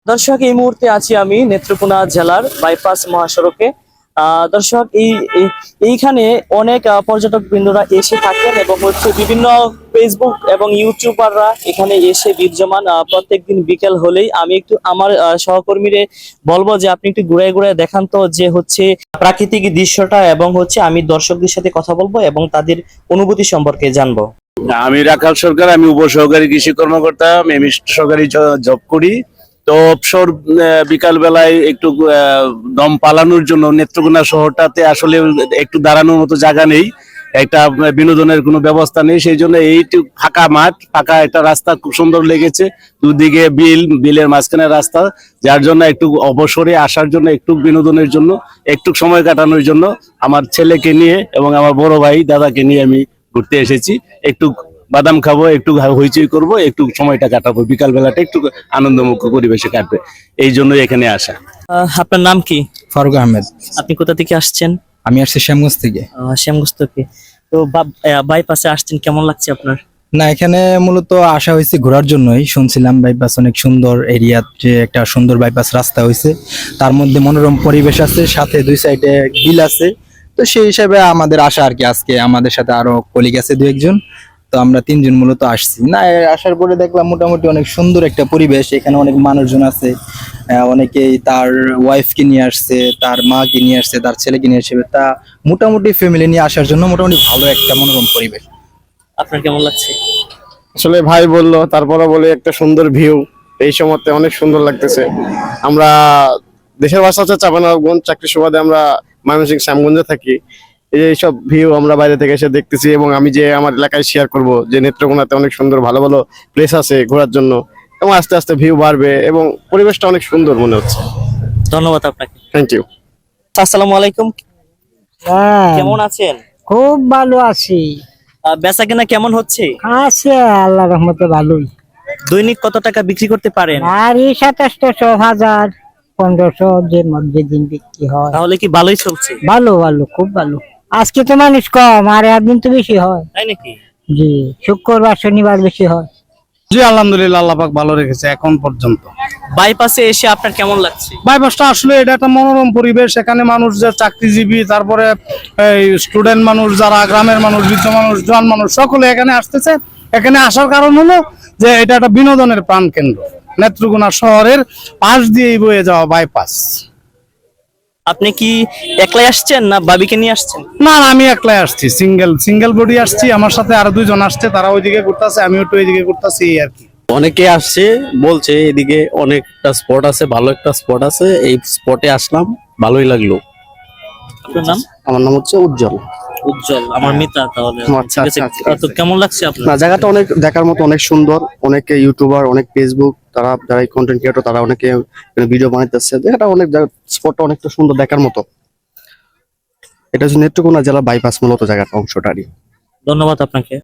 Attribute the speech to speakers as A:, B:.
A: দর্শক, এই মুহূর্তে আছি আমি নেত্রকোনা জেলার বাইপাস মহাসড়কে। দর্শক, এইখানে অনেক পর্যটক বৃন্দরা এসে থাকেন এবং বিভিন্ন ফেসবুক এবং ইউটিউবাররা এখানে এসে বিরাজমান। প্রত্যেকদিন বিকেল হলেই আমি একটু আমার সহকর্মীরে বলবো যে আপনি একটু ঘুরে ঘুরে দেখান তো যে প্রাকৃতিক দৃশ্যটা, এবং আমি দর্শকদের সাথে কথা বলবো এবং তাদের অনুভূতি সম্পর্কে জানবো।
B: আমি রাখাল সরকার, আমি উপসহকারী কৃষি কর্মকর্তা, আমি সরকারি জব করি। তো অবসর বিকাল বেলায় একটু দম পালানোর জন্য নেত্রকোনা শহরটাতে আসলে একটু দাঁড়ানোর মতো জায়গা নেই, একটা বিনোদনের কোনো ব্যবস্থা নেই। সেই জন্য এইটু ফাঁকা মাঠ, ফাঁকা একটা রাস্তা খুব সুন্দর লেগেছে, দুদিকে বিলের মাঝখানে রাস্তা, যার জন্য একটু অবসরে আসার জন্য, একটু বিনোদনের জন্য, একটু সময় কাটানোর জন্য আমার ছেলেকে নিয়ে এবং আমার বড় ভাই দাদাকে নিয়ে আমি ঘুরতে এসেছি। একটু বাদাম খাবো, একটু হইচই করবো, একটু সময়টা কাটাবো, বিকাল বেলাটা একটু আনন্দমুখর পরিবেশে কাটবে, এই জন্যই এখানে আসা।
A: আপনার নাম কি?
C: ফারুক আহমেদ।
A: আপনি কোথা থেকে আসছেন?
C: আমি আসছি শ্যামগঞ্জ থেকে।
A: শ্যামগঞ্জ থেকে। তো বাইপাসে আসছেন, কেমন লাগছে আপনার?
C: না, এখানে মূলত আসা হয়েছে ঘোরার জন্যই। শুনছিলাম বাইপাস অনেক সুন্দর এরিয়া, যে একটা সুন্দর বাইপাস রাস্তা হয়েছে, তার মধ্যে মনোরম পরিবেশ আছে, সাথে দুই সাইডে বিল আছে। তো সেই হিসাবে আমাদের আসা আর কি। আজকে আমাদের সাথে আরো কলিগ আছে দু একজন, তো আমরা তিনজন মূলত আসছি। না, আসার পরে দেখলাম মোটামুটি অনেক সুন্দর একটা পরিবেশ। এখানে অনেক মানুষজন আছে, অনেকেই তার ওয়াইফকে নিয়ে আসছে, তার মাকে নিয়ে আসছে, তার ছেলেকে নিয়ে আসছে। তা মোটামুটি ফ্যামিলি নিয়ে আসার জন্য মোটামুটি ভালো একটা মনোরম পরিবেশ।
A: আপনার কেমন লাগছে?
D: আসলে ভাই বললো, তারপরে বলে একটা সুন্দর ভিউ, এই সময়তে অনেক সুন্দর লাগতেছে। আমরা দেশের ভাষা হচ্ছে চাঁপাইনবাবগঞ্জ, চাকরি সুবাদে আমরা ময়মনসিংহ শ্যামগঞ্জে থাকি। এইসব ভিউ আমরা বাইরে থেকে এসে দেখতেছি, এবং আমি যে আমার এলাকায় শেয়ার করব যে নেত্রকোনাতে অনেক সুন্দর ভালো ভালো প্লেস আছে ঘোরার জন্য, এবং আস্তে আস্তে ভিউ বাড়বে এবং পরিবেশটা অনেক সুন্দর মনে হচ্ছে।
A: ধন্যবাদ আপনাকে।
D: Thank you.
A: আসসালামু আলাইকুম,
E: হ্যাঁ,
A: কেমন আছেন?
E: খুব ভালো আছি।
A: বেচা কেনা কেমন হচ্ছে?
E: আছে আল্লাহ রহমতে ভালোই।
A: দৈনিক কত টাকা বিক্রি করতে পারেন?
E: আর এই 2700, 1000, 1500 যে মধ্যে দিন বিক্রি হয়।
A: তাহলে কি ভালোই চলছে?
E: ভালো ভালো, খুব ভালো। আজকে তো মানুষ কম, আর একদিন তো বেশি হয়।
A: তাই নাকি?
E: জি, শুক্রবার শনিবার বেশি হয়।
F: জি আলহামদুলিল্লাহ, আল্লাহ পাক ভালো রেখেছে এখন পর্যন্ত।
A: বাইপাসে এসে আপনার কেমন লাগছে?
F: বাইপাসটা আসলে এটা একটা মনোরম পরিবেশ। এখানে মানুষ যে চাকরিজীবী, তারপরে এই স্টুডেন্ট মানুষ, যারা গ্রামের মানুষ, বৃদ্ধ মানুষ, জোয়ান মানুষ, সকলে এখানে আসতেছে। এখানে আসার কারণ হলো যে এটা একটা বিনোদনের প্রাণ কেন্দ্র, নেত্রকোনা শহরের পাশ দিয়েই বয়ে যাওয়া বাইপাস।
A: আপনি কি একলাই আসছেন না বাবিকে নিয়ে আসছেন?
F: না না, আমি একলাই আসছি, সিঙ্গেল বডি আসছি। আমার সাথে আরো দুইজন আসছে, তারা ওইদিকে ঘুরতেছে, আমিও একটু এইদিকে ঘুরতেছি, এই আর কি।
G: অনেকে আসছে, বলছে এদিকে অনেকটা স্পট আছে, ভালো একটা স্পট আছে, এই স্পটে আসলাম, ভালোই লাগলো।
A: আপনার নাম?
G: আমার নাম হচ্ছে উজ্জ্বল।
A: উজ্জ্বল, আমার মিতা। তাহলে
G: আচ্ছা,
A: ঠিক আছে।
G: আচ্ছা,
A: তো কেমন লাগছে আপনার?
G: না, জায়গাটা অনেক দেখার মতো, অনেক সুন্দর। অনেকে ইউটিউবার, অনেক ফেসবুক, তারা যারা কন্টেন্ট ক্রিয়েটর, তারা অনেকে ভিডিও বানাইতেছে। জায়গাটা অনেক, স্পটটা অনেকটা সুন্দর দেখার মতো। এটা হচ্ছে নেত্রকোনা জেলা বাইপাস মূলত জায়গাটা, অংশটারই।
A: ধন্যবাদ আপনাকে।